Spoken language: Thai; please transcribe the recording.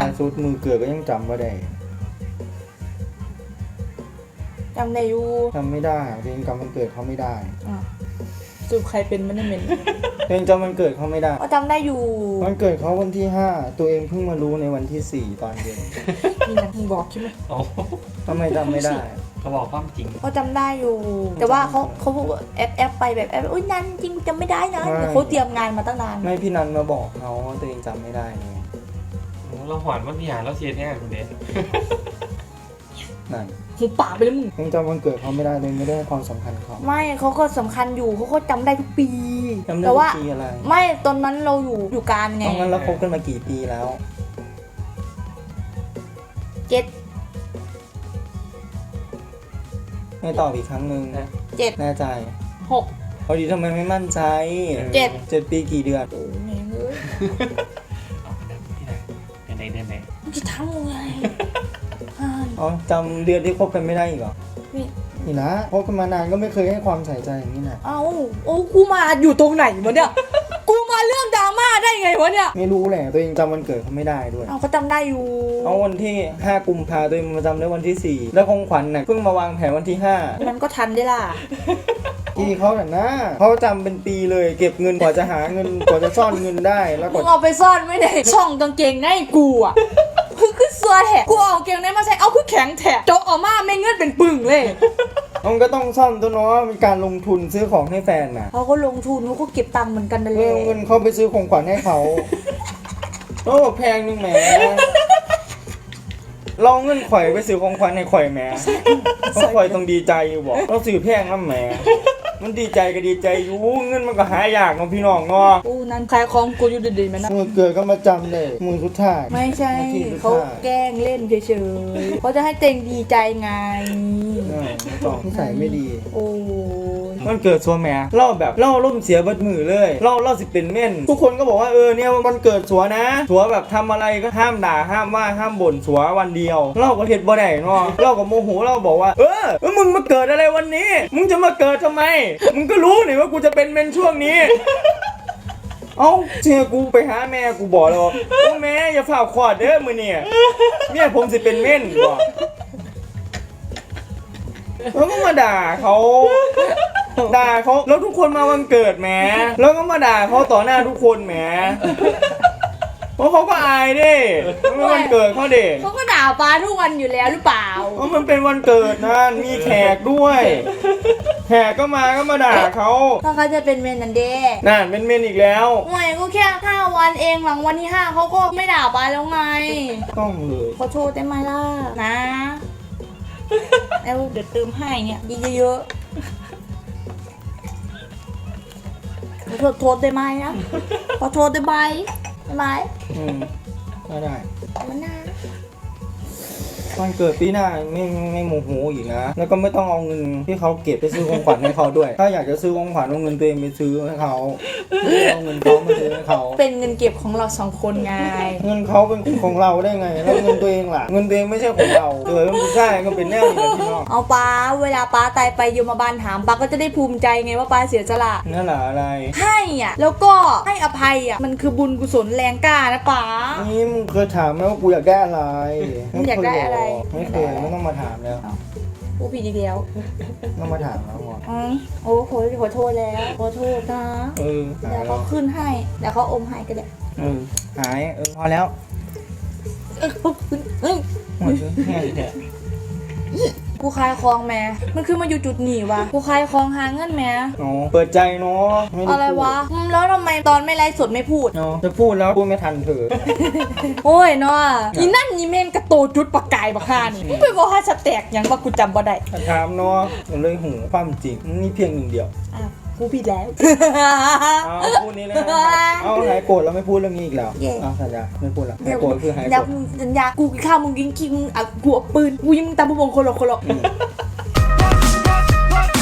สุดมือเกิดก็ยังจำไม่ได้จำได้อยู่จำไม่ได้ตัวเองจำวันเกิดเขาไม่ได้จูบใครเป็นมันไม่เป็นตัวเองจำวันเกิดเขาไม่ได้ก็จำได้อยู่วันเกิดเขาวันที่ 5ตัวเองเพิ่งมารู้ในวันที่ 4ตอนเย็นนี่นะมึงบอกใช่ไหมโอ้ทำไมจำไม่ได้เขาบอกความจริงก็จำได้อยู่ แต่ว่าเขาบอกว่าแอปไปแบบแอปอุ้ยนั่นจริงจำไม่ได้นะแต่เขาเตรียมงานมาตั้งนานไม่พี่นันมาบอกเขาว่าตัวเองจำไม่ได้ไงเราหวานวันที่หาเราเชียร์แน่คุณเดชนั่นหูป่าไปแล้วมึงตัวเองจำวันเกิดเขาไม่ได้ตัวเองไม่ได้ให้ความสำคัญเขาไม่เขาก็สำคัญอยู่เขาก็จำได้ทุกปีจำได้แต่ทุว่ากปีอะไรไม่ตอนนั้นเราอยู่การไงตรงนั้นเราคบกันมากี่ปีแล้ว 7 ให้ตอบอีกครั้งหนึ่ง 7 แน่ใจ 6 พอดีทำไมไม่มั่นใจ 7 7 ปีกี่เดือนโอ้แม่งเอ้ยเอาไปได้ที่ไหนเดือนไหนเดือนไหนมึงจะทำไงอ๋อจำเดือนที่คบกันไม่ได้อีกเหรอนี่นี่นะคบกันมานานก็ไม่เคยให้ความใส่ใจอย่างนี้นะเอ้าโอ้กูมาอยู่ตรงไหนวะเนี่ย กูมาเรื่องดราม่าได้ไงวะเนี่ยไม่รู้แหละตัวเองจำวันเกิดเขาไม่ได้ด้วยเอาเขาจำได้อยู่เอาวันที่ 5 กุมภาตัวเองมาจำได้วันที่ 4 แล้วของขวัญน่ะเพิ่งมาวางแผนวันที่มันก็ทันได้ล่ะ 5ที่เขาน่ะนะเขาจำเป็นปีเลยเก็บเงินกว่าจะหาเงินกว่าจะซ่อนเงินได้แล้วกมึว่างเอาไปซ่อนไว้ในช่องกางเกงในกูอ่ะคือซัวแถะกูเอากางเกงในมาใส่เอาคือแข็งแถะโจกออกมาไม่เงื่อนเป็นปึ่งเลยมันก็ต้องซ่อนตัวเนาะเป็นการลงทุนซื้อของให้แฟนน่ะเขาก็ลงทุนเขาก็เก็บตังค์เหมือนกันนั่นแหเอละอเงินเขาไปซื้อของขวัญให้เขาโอ้แพงนึงแหมเราเงินข่อยไปซื้อของขวัญให้ข่อยแหมเพราะข่อยต้องดีใจอยู่บอกเราซื้อแพงน้ำแหมมันดีใจก็ดีใจอยู่เงินมันก็หายากเนาะพี่น้องเนาะกูนั้นขายของกูอยู่ดีๆมันนะมือเกิดก็มาจำเลยมือสุดท้ายไม่ใช่นาทีสุดท้ายเขาแกล้งเล่นเฉยๆเขาจะให้เต็งดีใจไงไม่ต้องนิสัยไม่ดีโอ้ยมันเกิดสัวแหมเล่าแบบเล่าร่มเสียเบิดมือเลยเล่าสิเป็นเม่นทุกคนก็บอกว่าเนี่ยวันเกิดสัวนะสัวแบบทำอะไรก็ห้ามด่าห้ามว่าห้ามบ่นสัววันเดียวเล่าก็เห็ดบ่ได้เนาะเล่าก็โมโหเล่าบอกว่ามึงมาเกิดอะไรวันนี้มึงจะมาเกิดทำไมมึงก็รู้นี่ว่ากูจะเป็นเมนช่วงนี้ เอ้าเชื่อกูไปหาแม่กูบอกแล้วว่าแม่อย่าฝ่าขอดเด้อมือเนี่ยผมสิเป็นเม่นบอกแล้วก็มาด่าเขาแล้วทุกคนมาวันเกิดแหมแล้วก็มาด่าเขาต่อหน้าทุกคนแหมเพราะเขาก็อายดิมันเป็นวันเกิดเขาเด็กเขาก็ด่าป้าทุกวันอยู่แล้วหรือเปล่าเพราะมันเป็นวันเกิดนะมีแขกด้วยแขกก็มาด่าเขาถ้าเขาจะเป็นเมนนันเด้น่าเป็นเมนอีกแล้วห่วยก็แค่5 วันเองหลังวันที่ 5เขาก็ไม่ด่าป้าแล้วไงต้องเลยขอโทษได้ไหมล่ะนะแล้วเดี๋ยวเติมให้เนี่ยเยอะๆขอโทษได้ไหมนะขอโทษได้ไหมได้ไหมก็ได้มันน่าวันเกิดปีหน้าไม่โมโหอีกนะแล้วก็ไม่ต้องเอาเงินที่เขาเก็บไปซื้อของขวัญให้เขาด้วย ถ้าอยากจะซื้อของขวัญเอาเงินตัวเองไปซื้อให้เขาไม่เอาเงินเขามาซื้อให้เขาเป็นเงินเก็บของเรา2 คนไงเงินเขาเป็นของเราได้ไงแล้วเงินตัวเองล่ะเงินตัวเองไม่ใช่ของเราเกิดเป็นผู้ชายก็เป็นแนวนี้แหละพี่น้องเอาป้าเวลาป้าตายไปโยมบาลถามป้าก็จะได้ภูมิใจไงว่าป้าเสียสละนั่นแหละอะไรให้อ่ะแล้วก็ให้อภัยอ่ะมันคือบุญกุศลแรงกล้านะป้านี่มึงเคยถามไหมว่ากูอยากได้อะไรมึงอยากได้อะไรไม่เคยไม่ต้องมาถามแล้วกูผิดอีกแล้วต้องมาถามแล้วก่อนโอ้ขอโทษแล้วขอโทษนะหาเดี๋ยวแล้เขาวขึ้นให้เดี๋ยวเขาอมให้ก็ได้หายพอแล้วเฮ้ยหมดแค่นี้กูคลายคลองแม่มันคือมาอยู่จุดหนีวะกูคลายคลองหาเงินแม่อ๋อเปิดใจเนาะม่ด้อะไรวะแล้วทำไมตอนไม่ไลฟ์สดไม่พูดเนาะจะพูดแล้วพูดไม่ทันเธอโอ้ยเนาะอีนั่นอีเมนกระโตจุดปากกายบักฮานี่มึงไปบอกให้สแต็กหยังว่ากูจำบ่ได้ถามเนาะผมเลยหูความจริงนี่เพียงหนึ่งเดียวอ้าวกูผิดแล้วเอาพูดนี้เลยเอาหายโกรธแล้วไม่พูดเรื่องนี้อีกแล้วเย่เอาสัญญาไม่พูดละหายโกรธคือหายโกเดี๋รยวธสัญญากูกินข้าวมึงกินขี้มึงกูเอาปืนกูยิงมึงตามผู้บงคนละ